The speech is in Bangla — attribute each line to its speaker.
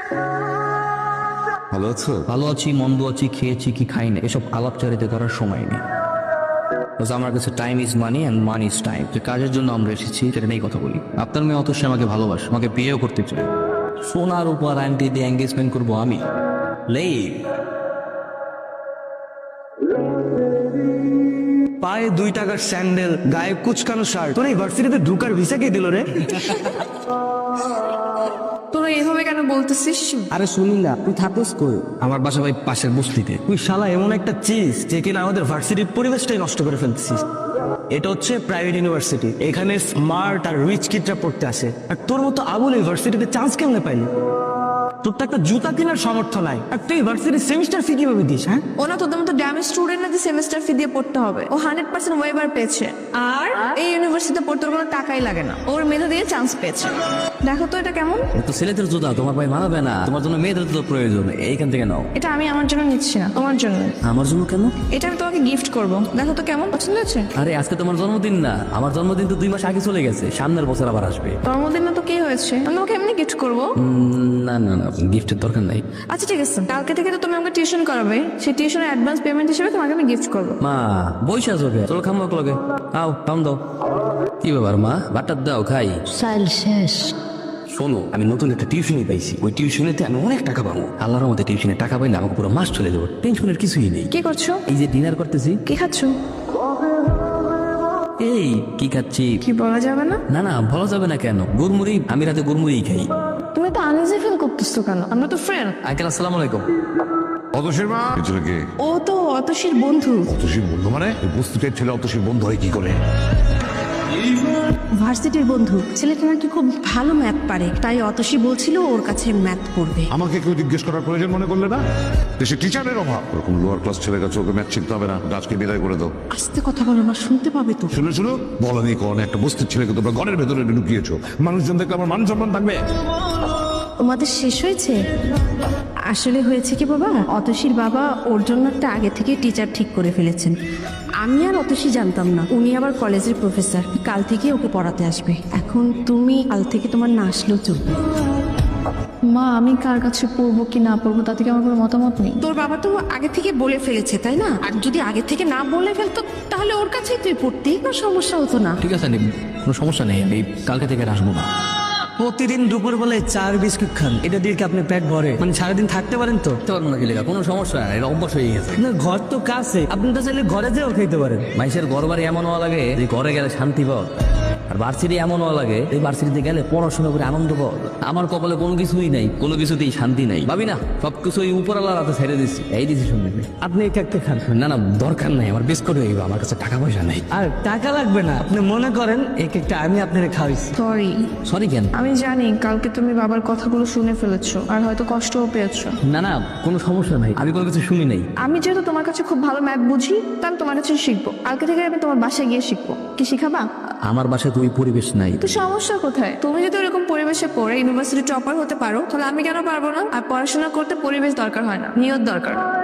Speaker 1: ভালো আছো?
Speaker 2: ভালো আছি, মন্দ আছি, খেয়েছি কি খাই না, এসব আলাপচারিতা করার সময় নেই। আমার কাছে time is money and money is time. যে কাজের জন্য আমরা এসেছি সেটা নিয়েই কথা বলি। আপনার মেয়ে অতসী আমাকে ভালোবাসে, আমাকে বিয়েও করতে চায়। সোনার উপর আন্টি দিয়ে এঙ্গেজমেন্ট করবো আমি? লেই
Speaker 3: পায়ে 2 টাকার স্যান্ডেল, গায়ে কুচকানো শার্ট, তোর এই ভার্সিটিতে ঢুকার ভিসা কে দিল রে?
Speaker 4: তোরা এভাবে কেন বলতেছিস?
Speaker 3: আরে শুনি না, তুই থাকিস কই?
Speaker 2: আমার বাসা ভাই পাশের বস্তিতে।
Speaker 3: তুই শালা এমন একটা চিজ যে কিনা আমাদের ভার্সিটির পরিবেশটাই নষ্ট করে ফেলতেছিস। এটা হচ্ছে প্রাইভেট ইউনিভার্সিটি, এখানে স্মার্ট আর রিচ কিডরা পড়তে আসে। আর তোর মতো আবুল ইউনিভার্সিটিতে চান্স কেমনে পাইলি? তোর তো একটা জুতা কেনার সামর্থ্য নাই, আর তুই ভার্সিটির সেমিস্টার ফি কিভাবে দিস? হ্যাঁ,
Speaker 4: ওনা তোদের মতো ড্যামেজ স্টুডেন্ট না যে সেমিস্টার ফি দিয়ে পড়তে হবে। ও 100% ওয়েবার পেয়েছে, আর এই ইউনিভার্সিটিতে পড়তে ওর কোনো টাকাই লাগে না। ওর মেধা দিয়ে চান্স পেয়েছে। দেখো তো এটা কেমন?
Speaker 2: তো ছেলেদের জুতা তোমার ভাই মানাবে না, তোমার জন্য মেয়েদের জুতো প্রয়োজন, এইখান থেকে নাও।
Speaker 4: এটা আমি আমার জন্য নিচ্ছি না, তোমার জন্য।
Speaker 2: আমার জন্য কেন?
Speaker 4: এটা আমি তোমাকে গিফট করব, দেখো তো কেমন পছন্দ হয়েছে।
Speaker 2: আরে আজকে তোমার জন্মদিন না, আমার জন্মদিন তো 2 মাস আগে চলে গেছে, সামনের বছর আবার আসবে।
Speaker 4: জন্মদিন না তো কি হয়েছে, আমি ওকে এমনি গিফট করবো।
Speaker 2: না না না, গিফটের দরকার নাই।
Speaker 4: আচ্ছা ঠিক আছে, কালকে থেকে তো তুমি আমাকে টিউশন করাবে, সেই টিউশনের অ্যাডভান্স পেমেন্ট হিসেবে তোমাকে আমি গিফট করবো।
Speaker 2: মা বইসা আছো কে? চলো খামো লগে, আও খাম দাও। কি ব্যাপার মা, বাটার দাও খাই।
Speaker 5: সাইল শেষ।
Speaker 2: শোনো, আমি নতুন একটা টিউশনি পাইছি, ওই টিউশনেতে আমি অনেক টাকা পাবো। আল্লাহর মধ্যে টিউশনে টাকা পাইলে আমাকে পুরো মাস চলে যাবো, টেনশনের কিছুই নেই।
Speaker 4: কি করছো?
Speaker 2: এই যে ডিনার করতেছি।
Speaker 4: কি খাচ্ছো?
Speaker 2: এই কি খাচ্ছি?
Speaker 4: কি বলা যাবে না?
Speaker 2: না না, বলা যাবে না কেন? গুড়মুড়ি, আমি রাতে গুড়মুড়ি খাই।
Speaker 4: তুমি তো আনইজি ফিল করতেছো কেন? আমরা তো ফ্রেন্ড।
Speaker 2: আঙ্কেল আসসালামু আলাইকুম।
Speaker 1: অতসীর মা পেছনে কে?
Speaker 4: ও তো অতসীর বন্ধু।
Speaker 1: অতসীর বন্ধু মানে? এই বস্তুটার ছেলে অতসীর বন্ধু হয় কি করে?
Speaker 5: ভার্সিটির বন্ধু, ছেলেটা নাকি খুব ভালো ম্যাথ পারে, তাই অতসী বলছিল ওর কাছে ম্যাথ পড়বে।
Speaker 1: আমাকে কেউ জিজ্ঞেস করার প্রয়োজন মনে করলে না? দেশে টিচারের অভাব, ওরকম লোয়ার ক্লাস ছেলের কাছে ওকে ম্যাথ শিখতে হবে না, আজকে বিদায় করে দাও।
Speaker 5: আস্তে কথা বলো না, শুনতে পাবে তো।
Speaker 1: শুনে শুনো, বলা নেই কোন একটা বস্তির ছেলেকে তোমরা ঘরের ভেতরে ঢুকিয়েছো, মানুষজন দেখলে আমার মান সম্মান থাকবে?
Speaker 5: তোমাদের শেষ হয়েছে? আসলে হয়েছে কি বাবা, অতসীর বাবা ওর জন্য একটা আগে থেকে টিচার ঠিক করে ফেলেছেন। আমি আর অতসী জানতাম না, উনি আবার কলেজের প্রফেসর, কাল থেকে ওকে পড়াতে আসবে। এখন তুমি কাল থেকে তোমার না আসলেও চলবে।
Speaker 4: মা, আমি কার কাছে পড়বো কি না পড়বো তাতে কি আমার কোনো মতামত নেই।
Speaker 5: তোর বাবা তো আগে থেকে বলে ফেলেছে, তাই না? আর যদি আগে থেকে না বলে ফেলতো তাহলে ওর কাছেই তুই পড়তি, কোনো সমস্যা হতো না।
Speaker 2: ঠিক আছে, কোনো সমস্যা নেই, আমি কালকে থেকে আর আসবো না।
Speaker 3: প্রতিদিন দুপুর বেলায় 4 বিস্কুট খান, এটা দিয়ে কি আপনি পেট ভরে? মানে সারাদিন থাকতে পারেন তো?
Speaker 2: বুঝতে পারবো না কি লেখা, কোনো সমস্যা নাই, এটা অভ্যাস হয়ে গেছে।
Speaker 3: না, ঘর তো কাছে, আপনি তো চাইলে ঘরে যেও খেতে পারেন।
Speaker 2: মাইসের ঘর বাড়ি এমন হওয়া লাগে যে ঘরে গেলে শান্তি পাও, আর ভার্সিটি এমন হওয়া লাগে এই ভার্সিটিতে গেলে পড়াশোনা করে আনন্দ পাও। আমার কপালে কোনো কিছুই নাই, কোনো কিছুতেই শান্তি নাই, ভাবি না সবকিছু উপরওয়ালার হাতে ছেড়ে দিচ্ছি, এই ডিসিশন নেবে।
Speaker 3: আপনি এক একটা খান।
Speaker 2: না না, দরকার নাই, আমার বিস্কুট হয়ে যাবে, আমার কাছে টাকা পয়সা নাই।
Speaker 3: আর টাকা লাগবে না, আপনি মনে করেন এক একটা আমি আপনারে খাওয়াইছি।
Speaker 4: সরি।
Speaker 2: সরি কেন?
Speaker 4: আমি জানি কালকে তুমি বাবার কথাগুলো শুনে ফেলেছো আর হয়তো কষ্টও পেয়েছো।
Speaker 2: না না, কোনো সমস্যা নাই, আমি কোনো কিছু শুনি নাই।
Speaker 4: আমি যেহেতু তোমার কাছে খুব ভালো ম্যাথ বুঝি, তাহলে তোমার কাছে শিখবো। কালকে থেকে আমি তোমার বাসায় গিয়ে শিখবো। কি শিখাবা?
Speaker 2: আমার বাসায় তো ওই পরিবেশ নাই।
Speaker 4: তো সমস্যা কোথায়? তুমি যদি এরকম পরিবেশে পড়ে ইউনিভার্সিটি টপার হতে পারো, তাহলে আমি কেন পারবো না? আর পড়াশোনা করতে পরিবেশ দরকার হয় না, নিয়ত দরকার।